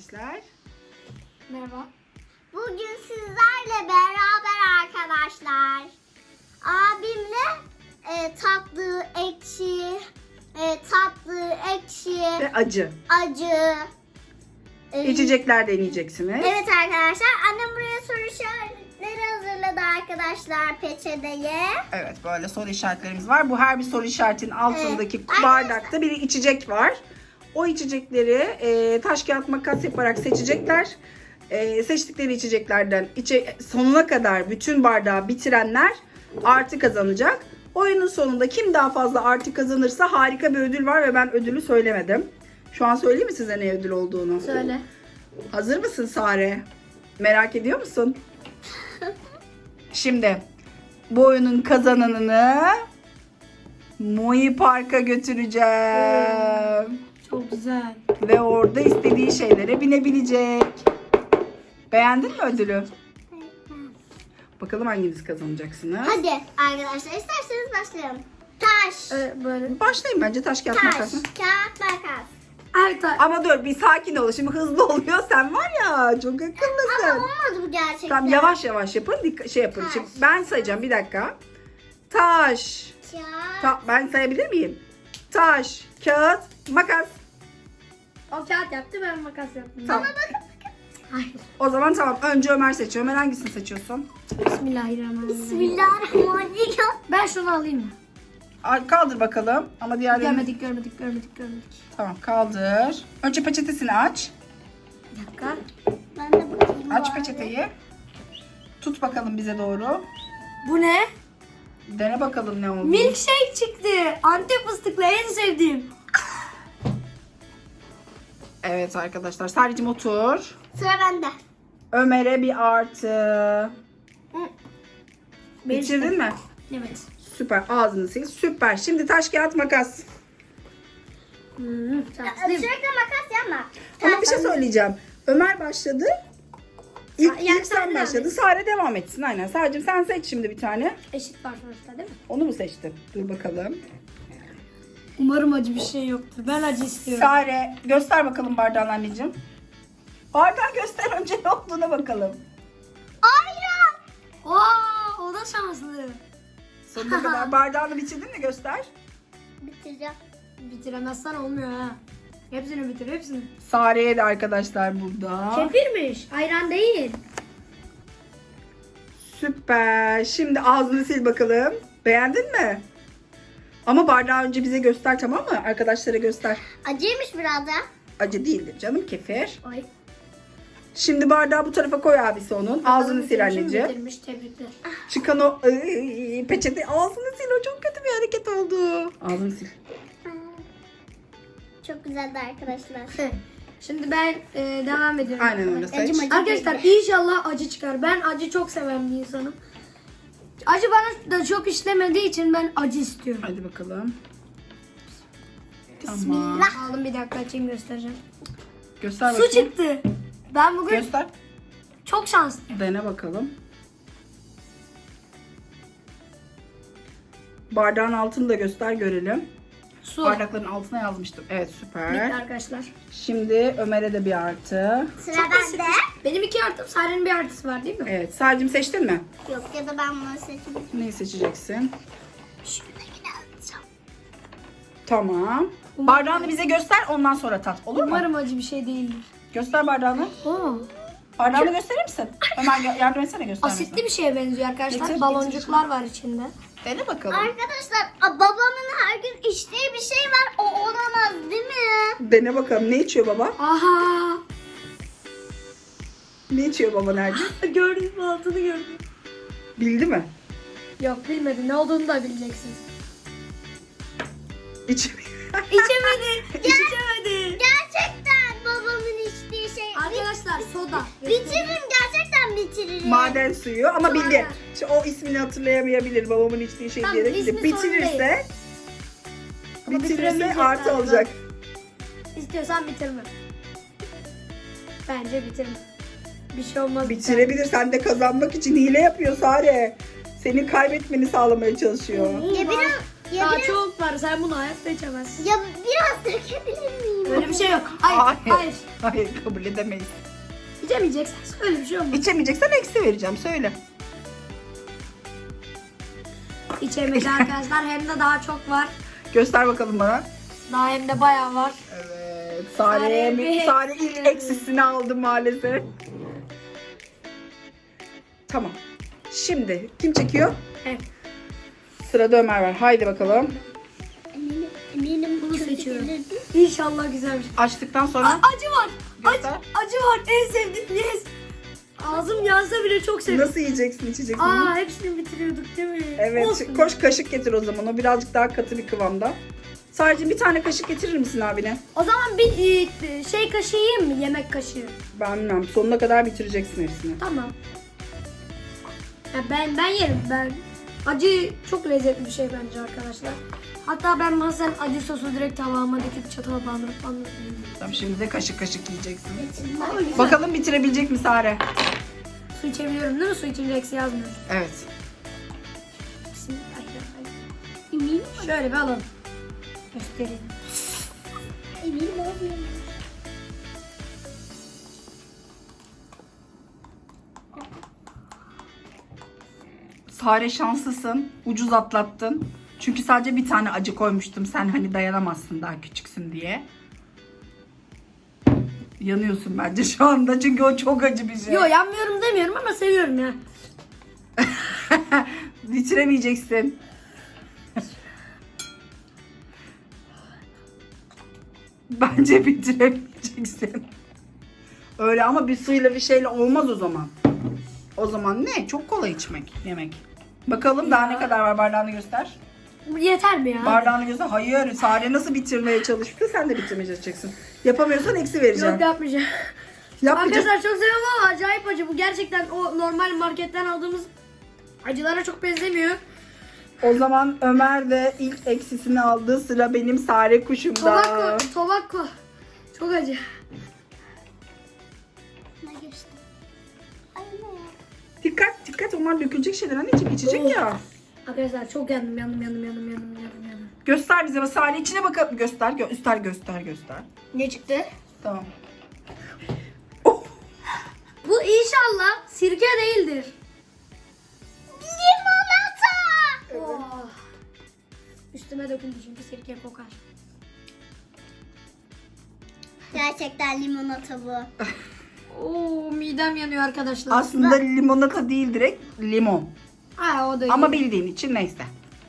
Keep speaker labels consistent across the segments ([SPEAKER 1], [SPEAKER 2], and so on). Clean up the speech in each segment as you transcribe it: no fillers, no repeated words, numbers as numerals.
[SPEAKER 1] arkadaşlar.
[SPEAKER 2] Merhaba.
[SPEAKER 3] Bugün sizlerle beraber arkadaşlar abimle tatlı, ekşi,
[SPEAKER 1] Ve acı.
[SPEAKER 3] acı
[SPEAKER 1] İçecekler deneyeceksiniz.
[SPEAKER 3] Evet arkadaşlar, annem buraya soru işaretleri hazırladı arkadaşlar peçeteye.
[SPEAKER 1] Evet, böyle soru işaretlerimiz var. Bu her bir soru işaretinin altındaki
[SPEAKER 3] Evet.
[SPEAKER 1] bardakta bir içecek var. O içecekleri taş kağıt makas yaparak seçecekler. Seçtikleri içeceklerden sonuna kadar bütün bardağı bitirenler artı kazanacak. Oyunun sonunda kim daha fazla artı kazanırsa harika bir ödül var ve ben ödülü söylemedim. Şu an söyleyeyim mi size ne ödül olduğunu?
[SPEAKER 2] Söyle.
[SPEAKER 1] Hazır mısın Sare? Merak ediyor musun? Şimdi bu oyunun kazananını Moi Park'a götüreceğim.
[SPEAKER 2] Çok güzel.
[SPEAKER 1] Ve orada istediği şeylere binebilecek. Beğendin mi ödülü? Bakalım hanginiz kazanacaksınız?
[SPEAKER 3] Hadi arkadaşlar, isterseniz başlayalım. Taş,
[SPEAKER 2] Böyle.
[SPEAKER 1] Başlayın bence taş kağıt makas.
[SPEAKER 3] kağıt, makas.
[SPEAKER 2] Evet.
[SPEAKER 1] Ama dur bir sakin ol. Şimdi hızlı oluyor. Sen var ya çok
[SPEAKER 3] Ama
[SPEAKER 1] akıllısın.
[SPEAKER 3] olmadı bu gerçekten.
[SPEAKER 1] Tamam yavaş yavaş yapın. Şey yapın.
[SPEAKER 3] Taş.
[SPEAKER 1] Şimdi ben sayacağım bir dakika. Taş.
[SPEAKER 3] Kağıt,
[SPEAKER 1] Ben sayabilir miyim? Taş, kağıt, makas.
[SPEAKER 2] O kağıt yaptı, ben makas yaptım.
[SPEAKER 1] Tamam.
[SPEAKER 2] Hayır.
[SPEAKER 1] O zaman tamam. Önce Ömer seçiyor. Ömer hangisini seçiyorsun?
[SPEAKER 2] Bismillahirrahmanirrahim.
[SPEAKER 3] Bismillahirrahmanirrahim.
[SPEAKER 2] Ben şunu alayım mı?
[SPEAKER 1] Kaldır bakalım. Ama diğerlerini...
[SPEAKER 2] Görmedik.
[SPEAKER 1] Tamam kaldır. Önce peçetesini aç.
[SPEAKER 2] Bir dakika.
[SPEAKER 3] Ben de bakayım.
[SPEAKER 1] Aç
[SPEAKER 3] bari.
[SPEAKER 1] peçeteyi. Tut bakalım bize doğru.
[SPEAKER 2] Bu ne?
[SPEAKER 1] Dene bakalım ne oldu.
[SPEAKER 2] Milkshake çıktı. Antep fıstıklı, en sevdiğim.
[SPEAKER 1] Evet arkadaşlar. Sadece otur.
[SPEAKER 3] Sıra bende.
[SPEAKER 1] Ömer'e bir artı. Bitirdin mi?
[SPEAKER 2] Evet.
[SPEAKER 1] Süper. Ağzını sil. Süper. Şimdi taş kağıt makas.
[SPEAKER 2] Şanslıyım.
[SPEAKER 3] Sürekli makas yapma.
[SPEAKER 1] Ama bir şey söyleyeceğim. Ömer başladı.
[SPEAKER 2] Yani
[SPEAKER 1] İlk sen
[SPEAKER 2] sen
[SPEAKER 1] başladın. Sare devam etsin. Aynen. Sadece sen seç şimdi bir tane.
[SPEAKER 2] Eşit var sonuçta değil mi?
[SPEAKER 1] Onu mu seçtin? Dur bakalım.
[SPEAKER 2] Umarım acı bir şey yoktur. Ben acı istiyorum.
[SPEAKER 1] Sare göster bakalım bardağını anneciğim. Bardağı göster önce ne olduğuna bakalım.
[SPEAKER 3] Ayran.
[SPEAKER 2] Oo, o da şanslı.
[SPEAKER 1] Sonuna kadar bardağını bitirdin mi göster.
[SPEAKER 3] Bitireceğim.
[SPEAKER 2] Bitiremezsen olmuyor ha. Hepsini bitir, hepsini.
[SPEAKER 1] Sare'ye de arkadaşlar burada.
[SPEAKER 2] Kefirmiş, ayran değil.
[SPEAKER 1] Süper. Şimdi ağzını sil bakalım. Beğendin mi? Ama bardağı önce bize göster, tamam mı? Arkadaşlara göster.
[SPEAKER 3] Acıymış biraz da.
[SPEAKER 1] Acı değildir canım, kefir.
[SPEAKER 2] Ay.
[SPEAKER 1] Şimdi bardağı bu tarafa koy abisi onun. Ağzını sil anneciğim.
[SPEAKER 2] Bitirmiş, tebrikler.
[SPEAKER 1] Çıkan o peçete ağzını sil. O çok kötü bir hareket oldu. Ağzını sil.
[SPEAKER 3] Çok güzeldi arkadaşlar.
[SPEAKER 2] Şimdi ben devam ediyorum.
[SPEAKER 1] Aynen öyle seç.
[SPEAKER 3] Acım acı
[SPEAKER 2] Arkadaşlar inşallah acı çıkar. Ben acı çok seven bir insanım. Acı bana da çok işlemediği için ben acı istiyorum.
[SPEAKER 1] Hadi bakalım. Tamam.
[SPEAKER 3] Bismillah.
[SPEAKER 2] Aldım, bir dakika açayım, göstereceğim.
[SPEAKER 1] Göster
[SPEAKER 2] Su
[SPEAKER 1] bakayım.
[SPEAKER 2] çıktı. Ben bugün
[SPEAKER 1] Göster.
[SPEAKER 2] çok şanslıyım.
[SPEAKER 1] Dene bakalım. Bardağın altını da göster görelim.
[SPEAKER 2] Su.
[SPEAKER 1] Bardakların altına yazmıştım. Evet
[SPEAKER 2] Bitti
[SPEAKER 1] süper.
[SPEAKER 2] arkadaşlar.
[SPEAKER 1] Şimdi Ömer'e de bir artı.
[SPEAKER 3] Sıra
[SPEAKER 2] Çok basit.
[SPEAKER 3] bende.
[SPEAKER 2] Benim 2 artım, Sare'nin bir artısı var değil mi?
[SPEAKER 1] Evet. Sadece seçtin mi?
[SPEAKER 3] Yok, ya da ben bunu seçeyim.
[SPEAKER 1] Neyi seçeceksin?
[SPEAKER 3] Şuradakini alacağım.
[SPEAKER 1] Tamam. Bardağını bize göster, ondan sonra tat. Olur mu?
[SPEAKER 2] Umarım acı bir şey değildir.
[SPEAKER 1] Göster bardağını.
[SPEAKER 2] Oo.
[SPEAKER 1] Bardağını gösterir misin? Ömer yardım etsene göstermesine.
[SPEAKER 2] Asitli bir şeye benziyor arkadaşlar.
[SPEAKER 1] Getir,
[SPEAKER 2] Baloncuklar var içinde.
[SPEAKER 1] Dene bakalım.
[SPEAKER 3] Arkadaşlar, babamın her gün içtiği bir şey var. O olamaz değil mi?
[SPEAKER 1] Dene bakalım. Ne içiyor baba?
[SPEAKER 2] Aha.
[SPEAKER 1] Ne içiyor baba nerede?
[SPEAKER 2] Gördüm, altını gördüm.
[SPEAKER 1] Bildi mi?
[SPEAKER 2] Yok, bilmedi. Ne olduğunu da bileceksin.
[SPEAKER 1] İçmiyor.
[SPEAKER 2] İçemedi. İçemedi.
[SPEAKER 3] Gerçekten babamın içtiği şey.
[SPEAKER 2] Arkadaşlar soda.
[SPEAKER 3] Bitiririm, gerçekten bitiririm.
[SPEAKER 1] Maden suyu ama
[SPEAKER 2] Sonra-
[SPEAKER 1] bildi. Şimdi o ismini hatırlayamayabilir babamın içtiği şey
[SPEAKER 2] Tamam,
[SPEAKER 1] diyerek.
[SPEAKER 2] ismi sorun
[SPEAKER 1] Bitirirse
[SPEAKER 2] değil. Ama
[SPEAKER 1] bitirirse
[SPEAKER 2] bitiremeyecek
[SPEAKER 1] artı
[SPEAKER 2] galiba.
[SPEAKER 1] olacak.
[SPEAKER 2] İstiyorsan bitirme. Bence bitirme. Bir şey olmaz.
[SPEAKER 1] Bitirebilir. Sen de kazanmak için hile yapıyor Sare. Senin kaybetmeni sağlamaya çalışıyor.
[SPEAKER 3] Ya Ya
[SPEAKER 2] Daha
[SPEAKER 3] biraz,
[SPEAKER 2] çok var. Sen bunu hayatta içemezsin.
[SPEAKER 3] ya biraz dökebilir miyim?
[SPEAKER 2] Öyle bir şey yok. Hayır. Hayır.
[SPEAKER 1] Hayır, kabul edemeyiz.
[SPEAKER 2] İçemeyeceksin. Öyle bir şey olmaz.
[SPEAKER 1] İçemeyeceksen eksi vereceğim. Söyle.
[SPEAKER 2] İçemedi arkadaşlar. Hem de daha çok var.
[SPEAKER 1] Göster bakalım bana.
[SPEAKER 2] Daha hem de bayağı var.
[SPEAKER 1] Evet.
[SPEAKER 2] Sare
[SPEAKER 1] Sare ilk eksisini aldı maalesef. Tamam. Şimdi kim çekiyor?
[SPEAKER 2] Evet.
[SPEAKER 1] Sırada Ömer var. Haydi bakalım.
[SPEAKER 3] Eminim
[SPEAKER 2] Bunu
[SPEAKER 3] kötü
[SPEAKER 2] seçiyorum.
[SPEAKER 3] gelirdi.
[SPEAKER 2] İnşallah güzel bir şey.
[SPEAKER 1] Açtıktan sonra
[SPEAKER 2] Acı var.
[SPEAKER 1] Göster.
[SPEAKER 2] Acı var. En sevdiğim. Yes. Ağzım yansa bile çok seviyorum.
[SPEAKER 1] nasıl yiyeceksin, içeceksin?
[SPEAKER 2] Aa, hepsini bitiriyorduk değil mi?
[SPEAKER 1] Evet.
[SPEAKER 2] Olsun.
[SPEAKER 1] Koş kaşık getir o zaman. O birazcık daha katı bir kıvamda. Sadece bir tane kaşık getirir misin abine?
[SPEAKER 2] O zaman bir şey kaşığı yiyeyim mi? Yemek kaşığı.
[SPEAKER 1] Ben bilmem. Sonuna kadar bitireceksin hepsini.
[SPEAKER 2] Tamam. Ya ben yerim. Acı çok lezzetli bir şey bence arkadaşlar. Hatta ben bazen acı sosu direkt tabağıma döküp çatala bandırıp yiyorum.
[SPEAKER 1] Tamam, şimdi de kaşık kaşık yiyeceksin.
[SPEAKER 2] Ama güzel.
[SPEAKER 1] Bakalım bitirebilecek mi Sare?
[SPEAKER 2] Su içebiliyorum değil mi? Su içince eksi yazmıyor.
[SPEAKER 1] Evet.
[SPEAKER 3] Eminim.
[SPEAKER 2] Şöyle bir alalım. Göstereyim.
[SPEAKER 3] Eminim olmuyor.
[SPEAKER 1] Sare şanslısın. Ucuz atlattın. Çünkü sadece bir tane acı koymuştum. Sen hani dayanamazsın, daha küçüksün diye. Yanıyorsun bence şu anda. Çünkü o çok acı bir şey.
[SPEAKER 2] Yo, yanmıyorum demiyorum ama seviyorum ya.
[SPEAKER 1] Bitiremeyeceksin. Bence bitiremeyeceksin. Öyle ama bir suyla bir şeyle olmaz o zaman. O zaman ne? Çok kolay içmek, yemek. Bakalım daha ne kadar var, bardağını göster.
[SPEAKER 2] Yeter mi ya?
[SPEAKER 1] Bardağını göster. Hayır, Sare nasıl bitirmeye çalıştı? Sen de bitirmeye çalışacaksın. Yapamıyorsan eksi vereceğim.
[SPEAKER 2] Yok, yapmayacağım.
[SPEAKER 1] Yapmayacağım.
[SPEAKER 2] Arkadaşlar çok seviyorum ama acayip acı. Bu gerçekten o normal marketten aldığımız acılara çok benzemiyor.
[SPEAKER 1] O zaman Ömer de ilk eksisini aldı. Sıra benim Sare kuşumda.
[SPEAKER 2] Tobacco. Çok acı.
[SPEAKER 3] Ne geçti? Ay ne?
[SPEAKER 1] Dikkat, onlar dökülecek şeyler anneciğim, içecek
[SPEAKER 2] Oh.
[SPEAKER 1] ya.
[SPEAKER 2] Arkadaşlar çok yandım.
[SPEAKER 1] Göster bize, Sare içine bakalım. Göster.
[SPEAKER 2] Ne çıktı?
[SPEAKER 1] Tamam. Oh.
[SPEAKER 2] Bu inşallah sirke değildir.
[SPEAKER 3] Limonata!
[SPEAKER 2] Oh. Üstüme döküldü çünkü sirke kokar.
[SPEAKER 3] Gerçekten limonata bu.
[SPEAKER 2] Oo, midem yanıyor arkadaşlar.
[SPEAKER 1] Aslında limonata değil, direkt limon.
[SPEAKER 2] Ha, o da
[SPEAKER 1] Ama
[SPEAKER 2] iyi.
[SPEAKER 1] bildiğin için neyse.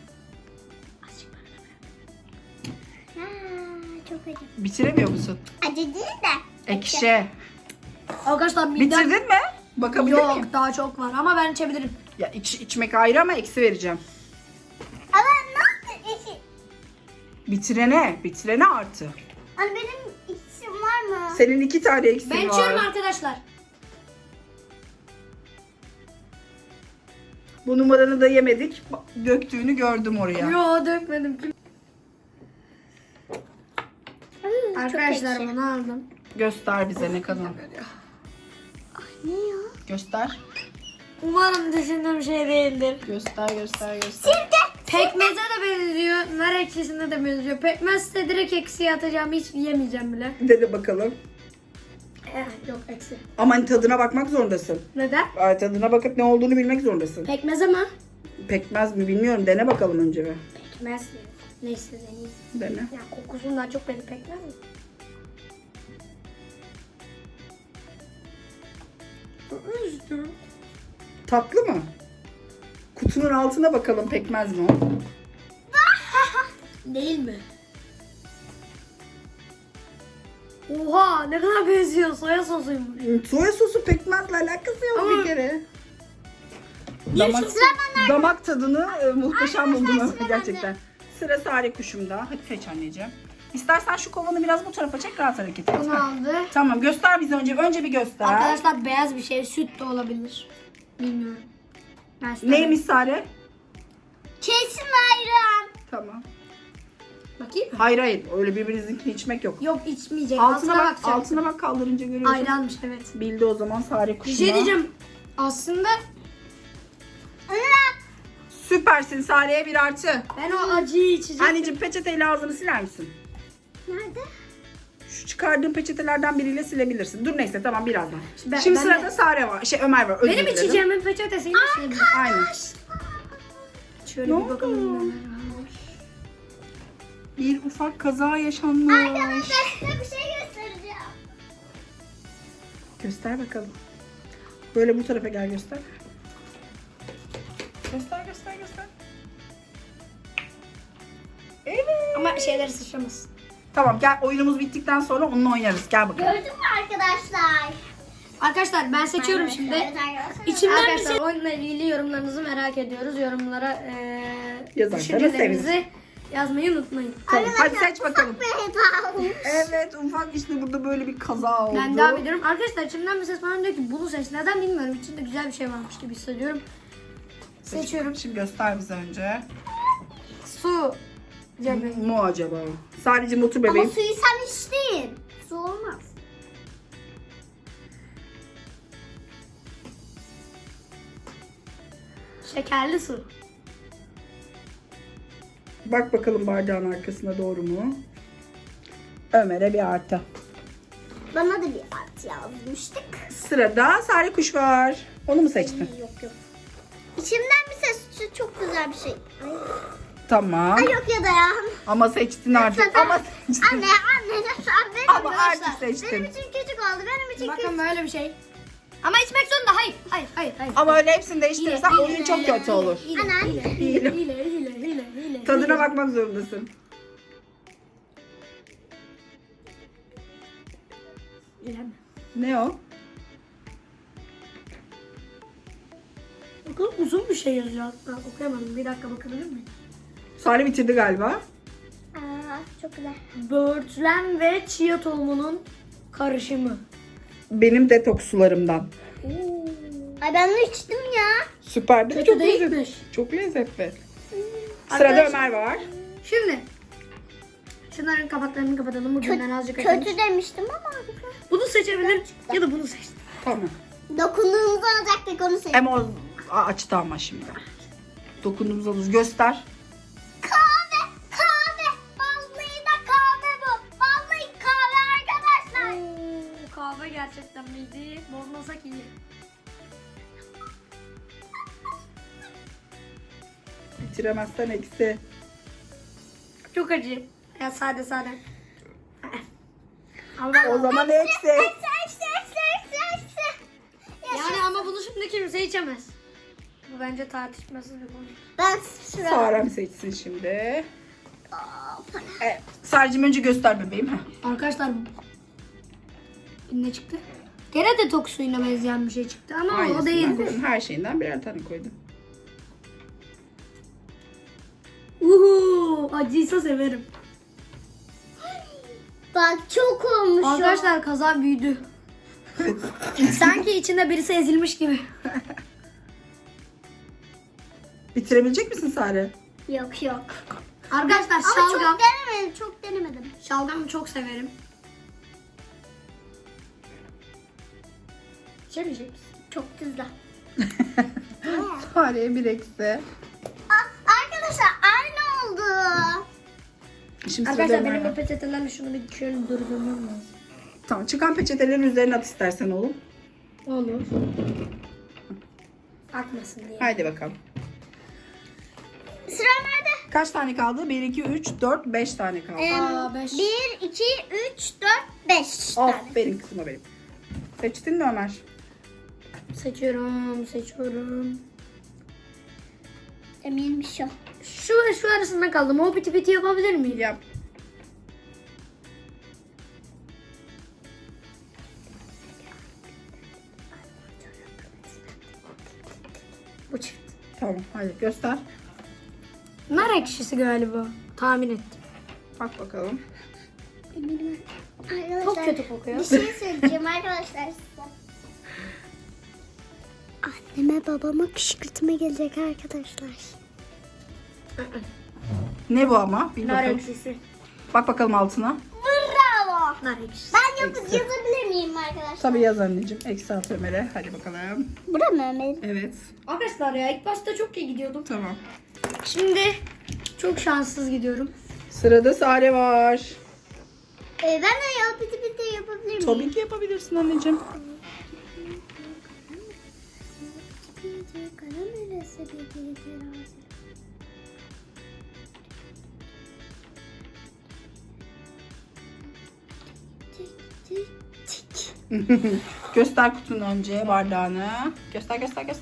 [SPEAKER 3] Ha, çok acı.
[SPEAKER 1] Bitiremiyor musun?
[SPEAKER 3] Acı değil de.
[SPEAKER 1] Ekşi.
[SPEAKER 2] Arkadaşlar midem...
[SPEAKER 1] Bitirdin mi? Bakabilir
[SPEAKER 2] Yok,
[SPEAKER 1] miyim?
[SPEAKER 2] daha çok var ama ben içebilirim.
[SPEAKER 1] Ya içmek ayrı ama eksi vereceğim.
[SPEAKER 3] Ama ne yaptın?
[SPEAKER 1] Bitirene artı.
[SPEAKER 3] Hani benim iksim var mı?
[SPEAKER 1] Senin 2 tane eksin
[SPEAKER 2] Ben
[SPEAKER 1] var.
[SPEAKER 2] içiyorum arkadaşlar.
[SPEAKER 1] Bu numaranı da yemedik. Döktüğünü gördüm oraya.
[SPEAKER 2] Yo, dökmedim.
[SPEAKER 3] Çok
[SPEAKER 2] Arkadaşlar
[SPEAKER 3] ekşi.
[SPEAKER 2] bunu aldım.
[SPEAKER 1] Göster bize ne kadar.
[SPEAKER 3] Ne ya?
[SPEAKER 1] Göster.
[SPEAKER 2] Umarım düşündüğüm şey değildir.
[SPEAKER 1] Göster.
[SPEAKER 2] Pekmeze de benziyor. Nar ekşisine de benziyor. Pekmezse direkt eksiye atacağım. Hiç yemeyeceğim bile.
[SPEAKER 1] Dene bakalım.
[SPEAKER 2] Yok, eksi.
[SPEAKER 1] Ama tadına bakmak zorundasın.
[SPEAKER 2] Neden?
[SPEAKER 1] Tadına bakıp ne olduğunu bilmek zorundasın.
[SPEAKER 2] Pekmez ama.
[SPEAKER 1] Pekmez mi bilmiyorum. Dene bakalım önce bir.
[SPEAKER 2] Pekmez. Neyse deneyeyim.
[SPEAKER 1] Dene.
[SPEAKER 2] Ya kokusundan çok beni pekmez mi?
[SPEAKER 1] Tatlı mı? Kutunun altına bakalım, pekmez mi o?
[SPEAKER 2] Değil mi? Oha, ne kadar benziyor, soya sosuymuş.
[SPEAKER 1] Soya sosu pekmezle alakası yok
[SPEAKER 2] Ama-
[SPEAKER 1] bir kere.
[SPEAKER 2] Niye
[SPEAKER 1] Damak,
[SPEAKER 2] çok-
[SPEAKER 1] damak tadını muhteşem buldum
[SPEAKER 3] sıra
[SPEAKER 1] gerçekten. Sıra Sare kuşumda. Hadi seç anneciğim. İstersen şu kovanı biraz bu tarafa çek, rahat hareket et.
[SPEAKER 2] Bunu aldı.
[SPEAKER 1] Tamam, göster bize önce. Önce bir göster.
[SPEAKER 2] Arkadaşlar beyaz bir şey, süt de olabilir. Bilmiyorum. Ben size-
[SPEAKER 1] Neymiş Sare?
[SPEAKER 3] Kesin ayran.
[SPEAKER 1] Tamam.
[SPEAKER 2] Bakayım mı?
[SPEAKER 1] Hayır, öyle birbirinizinkini içmek yok.
[SPEAKER 2] Yok, içmeyecek.
[SPEAKER 1] Altına bak,
[SPEAKER 2] bakacağım.
[SPEAKER 1] altına bak, kaldırınca görüyorsun.
[SPEAKER 2] Ayranmış, evet.
[SPEAKER 1] Bildi o zaman Sare
[SPEAKER 2] Bir
[SPEAKER 1] kuşuna.
[SPEAKER 2] şey diyeceğim. Aslında
[SPEAKER 1] Süper. Süpersin. Sare'ye 1 artı.
[SPEAKER 2] Ben o acıyı içeceğim.
[SPEAKER 1] Anneciğim peçeteyle ağzını siler misin?
[SPEAKER 3] Nerede?
[SPEAKER 1] Şu çıkardığın peçetelerden biriyle silebilirsin. Dur neyse tamam birazdan.
[SPEAKER 2] Ben-
[SPEAKER 1] Şimdi
[SPEAKER 2] ben
[SPEAKER 1] sırada
[SPEAKER 2] de-
[SPEAKER 1] Sare var. Ömer var. Özür
[SPEAKER 2] Benim
[SPEAKER 1] dilerim.
[SPEAKER 2] içeceğimin peçetesini içeyim.
[SPEAKER 1] Aynen.
[SPEAKER 2] Şöyle
[SPEAKER 1] Ne
[SPEAKER 2] bir bakalım.
[SPEAKER 1] oldu?
[SPEAKER 2] neler varmış.
[SPEAKER 1] Bir ufak kaza yaşanmış.
[SPEAKER 3] Arkadaşlar size bir şey göstereceğim.
[SPEAKER 1] Göster bakalım. Böyle bu tarafa gel göster. Göster. Evet.
[SPEAKER 2] Ama şeyleri sıçramasın.
[SPEAKER 1] Tamam gel oyunumuz bittikten sonra onunla oynarız. Gel bakalım.
[SPEAKER 3] Gördün mü arkadaşlar?
[SPEAKER 2] Arkadaşlar ben seçiyorum şimdi.
[SPEAKER 3] Evet arkadaşlar.
[SPEAKER 2] İçimden arkadaşlar oyunla ilgili yorumlarınızı merak ediyoruz. Yorumlara
[SPEAKER 1] Yazarsanız
[SPEAKER 2] düşüncelerinizi yazmayı unutmayın.
[SPEAKER 1] Tamam, hadi seç bakalım.
[SPEAKER 3] Bir hata olmuş.
[SPEAKER 1] Evet ufak işte burada böyle bir kaza oldu.
[SPEAKER 2] Ben devam ediyorum. Arkadaşlar içimden bir ses bana diyor ki bunu seç. Neden bilmiyorum. İçinde güzel bir şey varmış gibi hissediyorum. Seçiyorum.
[SPEAKER 1] Şimdi göster bize önce.
[SPEAKER 2] Su. Cemre.
[SPEAKER 1] Mu acaba? Sadece otur
[SPEAKER 3] Ama
[SPEAKER 1] bebeğim.
[SPEAKER 3] suyu sen içtin. Su olmaz.
[SPEAKER 2] Şekerli su.
[SPEAKER 1] Bak bakalım bardağın arkasına doğru mu? Ömer'e 1 artı.
[SPEAKER 3] Bana da bir artı yazmıştık.
[SPEAKER 1] Sırada Sare Kuş var. Onu mu seçtin?
[SPEAKER 3] Yok. İçimden bir ses şu çok güzel bir şey.
[SPEAKER 1] Tamam.
[SPEAKER 3] Ay yok ya da ya.
[SPEAKER 1] Ama seçtin artık.
[SPEAKER 3] Lütfen.
[SPEAKER 1] Ama seçtin.
[SPEAKER 3] Anne lütfen benim
[SPEAKER 1] Ama
[SPEAKER 3] arkadaşlar.
[SPEAKER 1] artık seçtin.
[SPEAKER 3] Benim için küçük oldu. Benim için küçük.
[SPEAKER 2] Bakın böyle bir şey. Ama içmek zorunda. Hayır.
[SPEAKER 1] Ama öyle hepsini değiştirirsen
[SPEAKER 2] Hile,
[SPEAKER 1] oyun
[SPEAKER 2] hile,
[SPEAKER 1] çok kötü olur.
[SPEAKER 3] Anne.
[SPEAKER 2] Hile.
[SPEAKER 1] Tadına bakmak zorundasın. Ne o?
[SPEAKER 2] Bakın uzun bir şey yazıyor hatta. Okuyamadım. Bir dakika bakabilir miyim?
[SPEAKER 1] Sare bitirdi galiba.
[SPEAKER 3] Aa, çok güzel.
[SPEAKER 2] Böğürtlen ve chia tohumunun karışımı.
[SPEAKER 1] Benim detoks sularımdan.
[SPEAKER 3] Ay ben de içtim ya.
[SPEAKER 1] Süper değil mi?
[SPEAKER 2] Kötü
[SPEAKER 1] Çok lezzetli.
[SPEAKER 2] değilmiş.
[SPEAKER 1] Çok lezzetli. Sırada
[SPEAKER 2] Arkadaşlar-
[SPEAKER 1] Ömer var.
[SPEAKER 2] Şimdi şunların kapaklarını kapatalım. Bugünden azıcık açalım.
[SPEAKER 3] Kötü demiştim ama.
[SPEAKER 2] Bunu seçebilir ya da bunu seç.
[SPEAKER 1] Tamam.
[SPEAKER 3] Dokunduğumuzu alacaktık onu seçtim.
[SPEAKER 1] Ama o açtı ama şimdi. Dokunduğumuz alırız. Göster.
[SPEAKER 3] Kahve. Vallahi da kahve bu. Vallahi kahve arkadaşlar.
[SPEAKER 2] Kahve gerçekten miydi? Bozmasak iyi.
[SPEAKER 1] Bitiremezsen eksi.
[SPEAKER 2] Çok acı. Ya sade. Ama
[SPEAKER 1] O zaman eksi.
[SPEAKER 3] Eksi.
[SPEAKER 2] yani ama bunu şimdi kimse içemez. Bu bence tartışmasız bir konu.
[SPEAKER 3] Ben şuraya.
[SPEAKER 1] Sarem seçsin şimdi. Evet. Sarecim önce göster bebeğim. Heh.
[SPEAKER 2] Arkadaşlar ne çıktı? Gene de tok suyuna benzeyen bir şey çıktı ama o
[SPEAKER 1] Aynısından
[SPEAKER 2] değildir.
[SPEAKER 1] koydum. Her şeyinden birer tane koydum.
[SPEAKER 2] Acıysa severim.
[SPEAKER 3] Bak çok olmuş o.
[SPEAKER 2] Arkadaşlar kaza büyüdü. Sanki içinde birisi ezilmiş gibi.
[SPEAKER 1] Bitirebilecek misin Sare?
[SPEAKER 3] Yok.
[SPEAKER 2] Arkadaşlar
[SPEAKER 3] Ama
[SPEAKER 2] şalgam.
[SPEAKER 3] çok denemedim.
[SPEAKER 2] Şalgamı çok severim. İçemeyecek misin?
[SPEAKER 3] Çok güzel.
[SPEAKER 1] Sare'ye 1 eksi.
[SPEAKER 3] Arkadaşlar aynı oldu.
[SPEAKER 1] Şimdi
[SPEAKER 2] Arkadaşlar
[SPEAKER 1] sırada
[SPEAKER 2] benim
[SPEAKER 1] Ömer
[SPEAKER 2] bu
[SPEAKER 1] var.
[SPEAKER 2] peçetelerle şunu bir şöyle durdurmam lazım.
[SPEAKER 1] Tamam çıkan peçetelerin üzerine at istersen oğlum.
[SPEAKER 2] Olur. Akmasın diye.
[SPEAKER 1] Haydi bakalım.
[SPEAKER 3] Sıra nerede?
[SPEAKER 1] Kaç tane kaldı? 1, 2, 3, 4, 5 tane kaldı.
[SPEAKER 2] Aa, 5.
[SPEAKER 3] 1, 2, 3, 4, 5 tane.
[SPEAKER 1] Aferin kızıma benim. Seçtin mi Ömer?
[SPEAKER 2] Seçiyorum.
[SPEAKER 3] Eminmiş o.
[SPEAKER 2] Şu ve şu arasında kaldım. O piti piti yapabilir miyim?
[SPEAKER 1] Yap.
[SPEAKER 2] Bu çift.
[SPEAKER 1] Tamam hadi göster.
[SPEAKER 2] Nar ekşisi galiba. Tahmin ettim.
[SPEAKER 1] Bak bakalım.
[SPEAKER 3] Eminim. Arkadaşlar,
[SPEAKER 2] Çok kötü kokuyor.
[SPEAKER 3] Bir şey söyleyeceğim arkadaşlar size. Anneme babama kışkırtma gelecek arkadaşlar.
[SPEAKER 1] Ne bu ama? Bir
[SPEAKER 2] Nar
[SPEAKER 1] bakalım.
[SPEAKER 2] ekşisi.
[SPEAKER 1] Bak bakalım altına.
[SPEAKER 3] Bravo.
[SPEAKER 2] Nar ekşisi.
[SPEAKER 3] Ben
[SPEAKER 1] Eksi.
[SPEAKER 3] yazabilir miyim arkadaşlar?
[SPEAKER 1] Tabii yaz anneciğim. Eksi at Ömer'e. Hadi bakalım.
[SPEAKER 3] Bura mı Ömer?
[SPEAKER 1] Evet.
[SPEAKER 2] Arkadaşlar ya ilk başta çok iyi gidiyordum.
[SPEAKER 1] Tamam.
[SPEAKER 2] Şimdi çok şanssız gidiyorum.
[SPEAKER 1] Sırada Sare var.
[SPEAKER 3] Ben de piti yapabilir miyim?
[SPEAKER 1] Tabii ki yapabilirsin anneciğim. Göster kutunu önce, bardağını. Göster.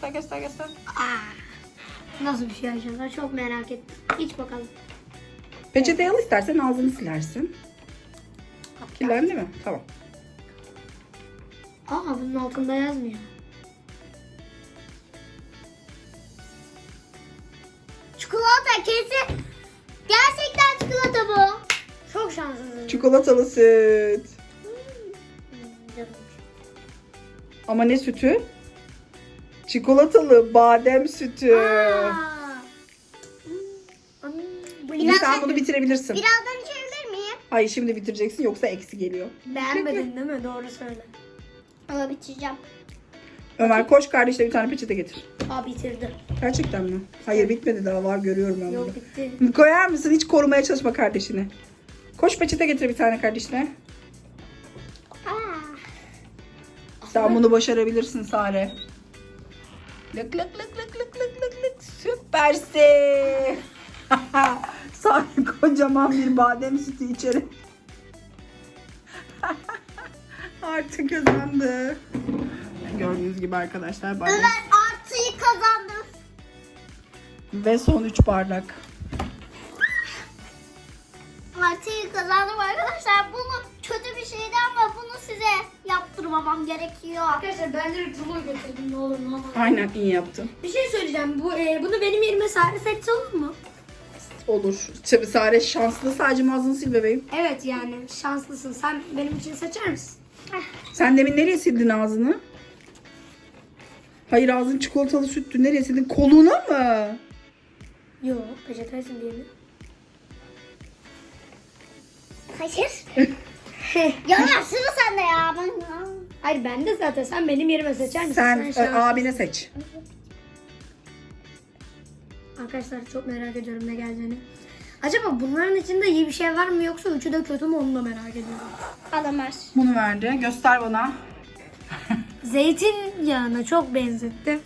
[SPEAKER 2] Nasıl bir şey acaba? Çok merak ettim. İç bakalım.
[SPEAKER 1] Peçeteyi al, istersen ağzını silersin. Kirlendi mi? Tamam.
[SPEAKER 2] Aa, bunun altında yazmıyor.
[SPEAKER 3] Çikolata kesin. Gerçekten çikolata bu.
[SPEAKER 2] Çok şanssızım.
[SPEAKER 1] Çikolatalı süt.
[SPEAKER 2] Canım.
[SPEAKER 1] Ama ne sütü? Çikolatalı badem sütü. Sen bunu bitirebilirsin.
[SPEAKER 3] Birazdan içebilir miyim?
[SPEAKER 1] Hayır, şimdi bitireceksin yoksa eksi geliyor.
[SPEAKER 2] Beğenmedin değil mi? Doğru söyle.
[SPEAKER 3] Ama bitireceğim.
[SPEAKER 1] Ömer koş kardeşle bir tane peçete getir.
[SPEAKER 2] Aa, bitirdi.
[SPEAKER 1] Gerçekten mi? Hayır, bitmedi, daha var, görüyorum ben
[SPEAKER 2] Yok,
[SPEAKER 1] bunu.
[SPEAKER 2] bitti.
[SPEAKER 1] Koyar mısın? Hiç korumaya çalışma kardeşini. Koş peçete getir bir tane kardeşine. Sen bunu başarabilirsin Sare. Lık lık lık lık lık lık lık lık. Süpersin. Sare kocaman bir badem sütü içeri. Artık kazandı. Gördüğünüz gibi arkadaşlar badem.
[SPEAKER 3] Ömer artıyı kazandım.
[SPEAKER 1] Ve son 3 bardak.
[SPEAKER 3] Artıyı kazandım arkadaşlar. Bunu kötü bir şeydi ama bunu size yaptırmamam gerekiyor.
[SPEAKER 2] Arkadaşlar ben direkt rulo götürdüm, ne olur ne olmaz.
[SPEAKER 1] Aynen, iyi yaptın.
[SPEAKER 2] Bir şey söyleyeceğim. Bunu benim yerime Sare seçse olur mu?
[SPEAKER 1] Olur. Tabii Sare şanslı, sadece ağzını sil bebeğim.
[SPEAKER 2] Evet, yani şanslısın. Sen benim için seçer misin?
[SPEAKER 1] Sen demin nereye sildin ağzını? Hayır, ağzın çikolatalı süttü. Nereye sildin? Koluna mı?
[SPEAKER 2] Yok, peçetesin diye mi?
[SPEAKER 3] Hayır. Ya sıra sende ya.
[SPEAKER 2] Hayır, ben de zaten. Sen benim yerime seçer misin?
[SPEAKER 1] Sen
[SPEAKER 2] şanslısın.
[SPEAKER 1] abine seç.
[SPEAKER 2] Arkadaşlar çok merak ediyorum ne geleceğini. Acaba bunların içinde iyi bir şey var mı yoksa üçü de kötü mü, onu da merak ediyorum.
[SPEAKER 3] Alamaz.
[SPEAKER 1] Bunu verdi. Göster bana.
[SPEAKER 2] Zeytinyağına çok benzetti.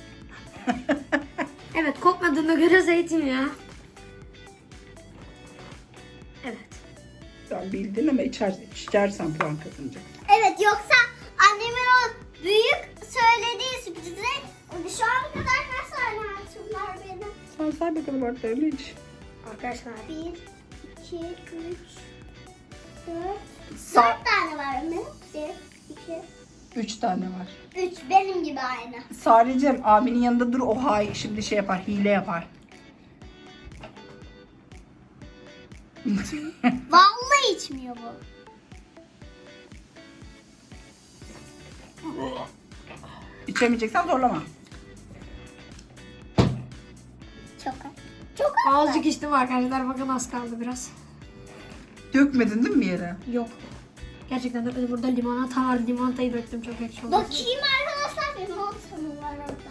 [SPEAKER 2] Evet, kokmadığına göre zeytinyağı. Evet.
[SPEAKER 1] Sen bildin ama içersen puan kazanacaksın.
[SPEAKER 3] Evet, yoksa annemin o büyük söylediği sürprizi şu ana kadar kaç tane artım var benim?
[SPEAKER 1] Sen say bakalım artılarını iç.
[SPEAKER 2] Arkadaşlar
[SPEAKER 3] 1, 2, 3, 4,
[SPEAKER 1] Sa-
[SPEAKER 3] 4 tane var benim. 1,
[SPEAKER 1] 3 tane var.
[SPEAKER 3] 2, 3 benim gibi aynı.
[SPEAKER 1] Sarecem abinin yanında dur, o şimdi şey yapar, hile yapar.
[SPEAKER 3] Vallahi içmiyor bu.
[SPEAKER 1] İçemeyeceksen zorlama.
[SPEAKER 3] Çok az. Çok az.
[SPEAKER 2] azıcık içtim arkadaşlar, bakın az kaldı biraz.
[SPEAKER 1] Dökmedin değil mi bir yere?
[SPEAKER 2] Yok. Gerçekten de burada limonata var. Limonatayı döktüm, çok ekşi oldu.
[SPEAKER 3] Bakayım arkadaşlar, benim oltanım var orada.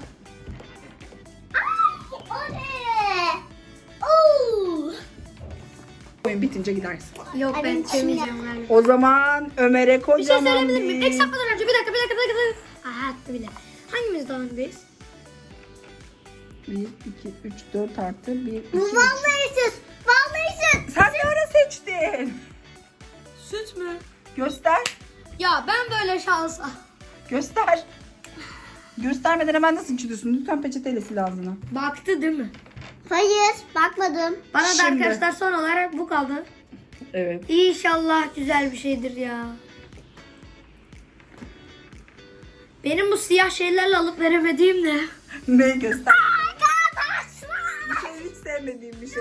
[SPEAKER 3] Ay, o ne? Oo.
[SPEAKER 1] Oyun bitince gidersin.
[SPEAKER 2] Yok,
[SPEAKER 3] Ay,
[SPEAKER 2] ben
[SPEAKER 3] ben
[SPEAKER 2] içemeyeceğim galiba.
[SPEAKER 1] O zaman Ömer'e
[SPEAKER 2] Bir şey
[SPEAKER 1] kocaman
[SPEAKER 2] söyleyebilir miyim? Ek sapmadan önce bir dakika. Aha, attı bile. Hangimiz daha öndeyiz?
[SPEAKER 1] 1, 2, 3, 4 artı 1, 2,
[SPEAKER 3] Bu vallahi süt. Vallahi süt.
[SPEAKER 1] Sen ne ara seçtin?
[SPEAKER 2] Süt mü?
[SPEAKER 1] Göster.
[SPEAKER 2] Ya ben böyle şansa.
[SPEAKER 1] Göster. Göstermeden hemen nasıl içiyorsun? Lütfen peçeteyle sil ağzını.
[SPEAKER 2] Baktı değil mi?
[SPEAKER 3] Hayır, bakmadım.
[SPEAKER 2] Bana da
[SPEAKER 1] Şimdi.
[SPEAKER 2] arkadaşlar son olarak bu kaldı.
[SPEAKER 1] Evet.
[SPEAKER 2] İnşallah güzel bir şeydir ya. Benim bu siyah şeylerle alıp veremediğim ne?
[SPEAKER 1] Ne göster?
[SPEAKER 3] Arkadaşlar.
[SPEAKER 1] Bir şey hiç sevmediğim bir şey.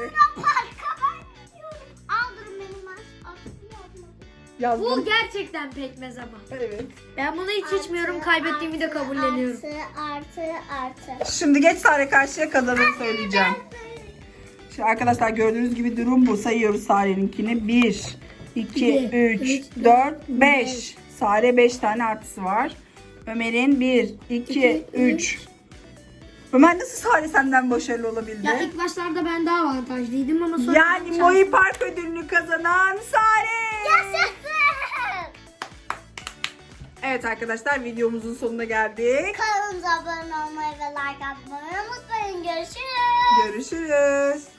[SPEAKER 3] Aldırın benim
[SPEAKER 1] Yazdım.
[SPEAKER 2] Bu gerçekten pekmez ama.
[SPEAKER 1] Evet.
[SPEAKER 2] Ben bunu hiç içmiyorum. Kaybettiğimi de kabulleniyorum.
[SPEAKER 3] Artı.
[SPEAKER 1] Şimdi geç Sare karşıya, kazananı söyleyeceğim. Şimdi arkadaşlar gördüğünüz gibi durum bu. Sayıyoruz Sare'ninkini. 1, 2, 3, 4, 5. Sare 5 tane artısı var. Ömer'in 1, 2, 3. Ömer nasıl Sare senden başarılı olabildi?
[SPEAKER 2] Ya ilk başlarda ben daha avantajlıydım ama sonra...
[SPEAKER 1] Yani Moi Park ödülünü kazanan Sare.
[SPEAKER 3] Yaşasın.
[SPEAKER 1] Evet arkadaşlar, videomuzun sonuna geldik.
[SPEAKER 3] Kanalımıza abone olmayı ve like atmayı unutmayın. Görüşürüz.
[SPEAKER 1] Görüşürüz.